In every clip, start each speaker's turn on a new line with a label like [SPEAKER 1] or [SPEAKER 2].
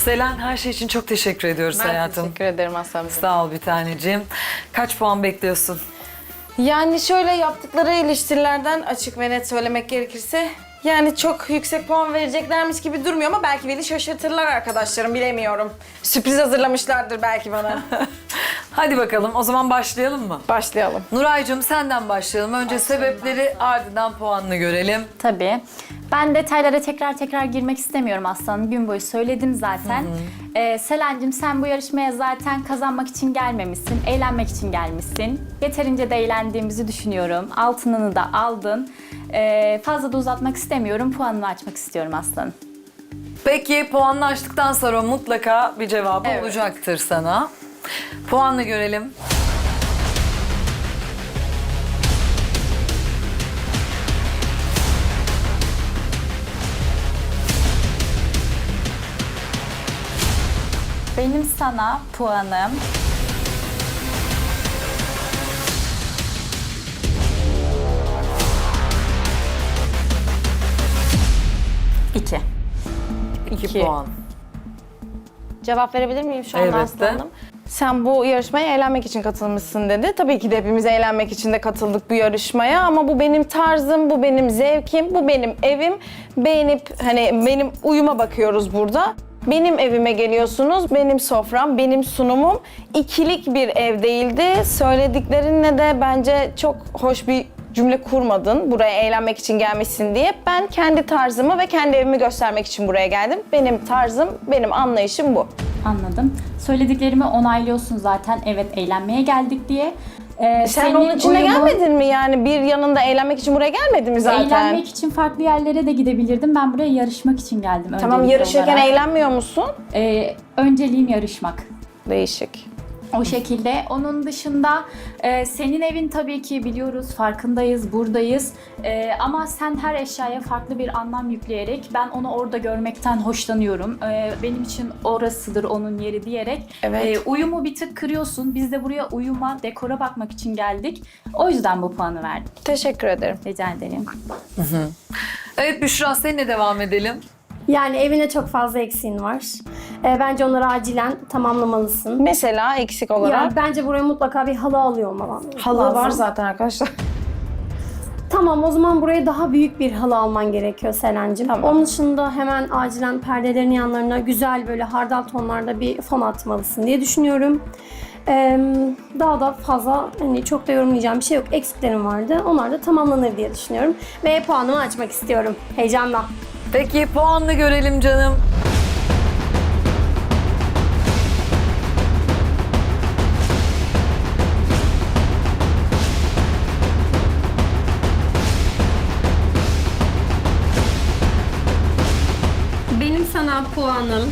[SPEAKER 1] Selen, her şey için çok teşekkür ediyoruz
[SPEAKER 2] Ben
[SPEAKER 1] hayatım.
[SPEAKER 2] teşekkür ederim Aslan Bey.
[SPEAKER 1] Sağ ol bir taneciğim. Kaç puan bekliyorsun?
[SPEAKER 2] Yani şöyle yaptıkları eleştirilerden açık ve net söylemek gerekirse yani çok yüksek puan vereceklermiş gibi durmuyor ama belki beni şaşırtırlar arkadaşlarım, bilemiyorum. Sürpriz hazırlamışlardır belki bana.
[SPEAKER 1] Hadi bakalım, o zaman başlayalım mı?
[SPEAKER 2] Başlayalım.
[SPEAKER 1] Nuray'cığım senden başlayalım. Önce sebepleri, ardından puanını görelim.
[SPEAKER 3] Tabii. Ben detaylara tekrar girmek istemiyorum Aslanım. Gün boyu söyledim zaten. Selen'cim sen bu yarışmaya zaten kazanmak için gelmemişsin. Eğlenmek için gelmişsin. Yeterince de eğlendiğimizi düşünüyorum. Altınını da aldın. Fazla da uzatmak istemiyorum. Puanını açmak istiyorum Aslanım.
[SPEAKER 1] Peki puanını açtıktan sonra mutlaka bir cevabı
[SPEAKER 2] Evet.
[SPEAKER 1] olacaktır sana. Puanını görelim.
[SPEAKER 3] Benim sana puanım... 2.
[SPEAKER 1] 2 puan.
[SPEAKER 4] Cevap verebilir miyim şu anda
[SPEAKER 1] Elbette.
[SPEAKER 4] Aslı Hanım?
[SPEAKER 2] Sen bu yarışmaya eğlenmek için katılmışsın dedi. Tabii ki de hepimiz eğlenmek için de katıldık bu yarışmaya ama bu benim tarzım, bu benim zevkim, bu benim evim. Beğenip hani benim uyuma bakıyoruz burada. Benim evime geliyorsunuz, benim sofram, benim sunumum. İkilik bir ev değildi. Söylediklerinle de bence çok hoş bir cümle kurmadın. Buraya eğlenmek için gelmişsin diye. Ben kendi tarzımı ve kendi evimi göstermek için buraya geldim. Benim tarzım, benim anlayışım bu.
[SPEAKER 3] Anladım. Söylediklerimi onaylıyorsun zaten. Evet, eğlenmeye geldik diye.
[SPEAKER 2] Sen
[SPEAKER 3] Senin
[SPEAKER 2] onun içinde
[SPEAKER 3] uyumun-
[SPEAKER 2] gelmedin mi yani? Bir yanında eğlenmek için buraya gelmedin mi zaten?
[SPEAKER 3] Eğlenmek için farklı yerlere de gidebilirdim. Ben buraya yarışmak için geldim.
[SPEAKER 2] Tamam,
[SPEAKER 3] öncelikli
[SPEAKER 2] yarışırken
[SPEAKER 3] olarak.
[SPEAKER 2] eğlenmiyor musun?
[SPEAKER 3] Önceliğim yarışmak.
[SPEAKER 2] Değişik.
[SPEAKER 3] O şekilde. Onun dışında senin evin tabii ki biliyoruz, farkındayız, buradayız. Ama sen her eşyaya farklı bir anlam yükleyerek ben onu orada görmekten hoşlanıyorum. Benim için orasıdır onun yeri diyerek
[SPEAKER 2] Evet.
[SPEAKER 3] uyumu bir tık kırıyorsun. Biz de buraya uyuma, dekora bakmak için geldik. O yüzden bu puanı verdim.
[SPEAKER 2] Teşekkür ederim.
[SPEAKER 3] Rica ederim.
[SPEAKER 1] Evet Büşra, seninle devam edelim.
[SPEAKER 4] Yani evine çok fazla eksiğin var. Bence onları acilen tamamlamalısın.
[SPEAKER 2] Mesela eksik olarak
[SPEAKER 4] Yani bence buraya mutlaka bir halı alıyor olman
[SPEAKER 2] halı
[SPEAKER 4] lazım.
[SPEAKER 2] var zaten arkadaşlar.
[SPEAKER 4] Tamam, o zaman buraya daha büyük bir halı alman gerekiyor Selen'cim.
[SPEAKER 2] Tamam.
[SPEAKER 4] Onun dışında hemen acilen perdelerin yanlarına güzel böyle hardal tonlarda bir fon atmalısın diye düşünüyorum. Daha da fazla hani çok da yorumlayacağım bir şey yok. Eksiklerim vardı. Onlar da tamamlanır diye düşünüyorum. Ve puanımı açmak istiyorum. Heyecanla.
[SPEAKER 1] Peki puanını görelim canım.
[SPEAKER 4] Benim sana puanım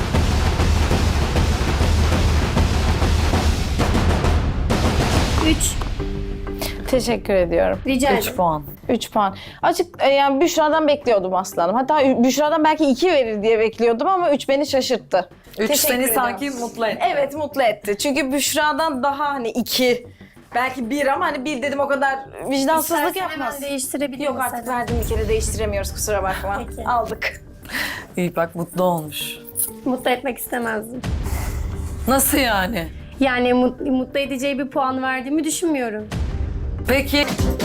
[SPEAKER 4] 3.
[SPEAKER 2] Teşekkür ediyorum.
[SPEAKER 4] Rica
[SPEAKER 1] 3
[SPEAKER 4] ederim.
[SPEAKER 1] puan.
[SPEAKER 2] 3 puan. Açık yani Büşra'dan bekliyordum aslanım. Hatta Büşra'dan belki 2 verir diye bekliyordum ama 3 beni şaşırttı.
[SPEAKER 1] 3
[SPEAKER 2] Teşekkür
[SPEAKER 1] seni
[SPEAKER 2] ederim.
[SPEAKER 1] sanki mutlu etti.
[SPEAKER 2] Evet, mutlu etti. Çünkü Büşra'dan daha hani 2, belki 1 ama hani 1 dedim, o kadar vicdansızlık
[SPEAKER 4] İstersen
[SPEAKER 2] yapmaz.
[SPEAKER 4] hemen değiştirebilirim.
[SPEAKER 2] Yok artık, verdim bir kere, değiştiremiyoruz, kusura bakma.
[SPEAKER 4] Peki.
[SPEAKER 2] Aldık.
[SPEAKER 1] İyi bak, mutlu olmuş.
[SPEAKER 4] Mutlu etmek istemezdim.
[SPEAKER 1] Nasıl yani?
[SPEAKER 4] Yani mutlu edeceği bir puan verdiğimi düşünmüyorum.
[SPEAKER 1] Peki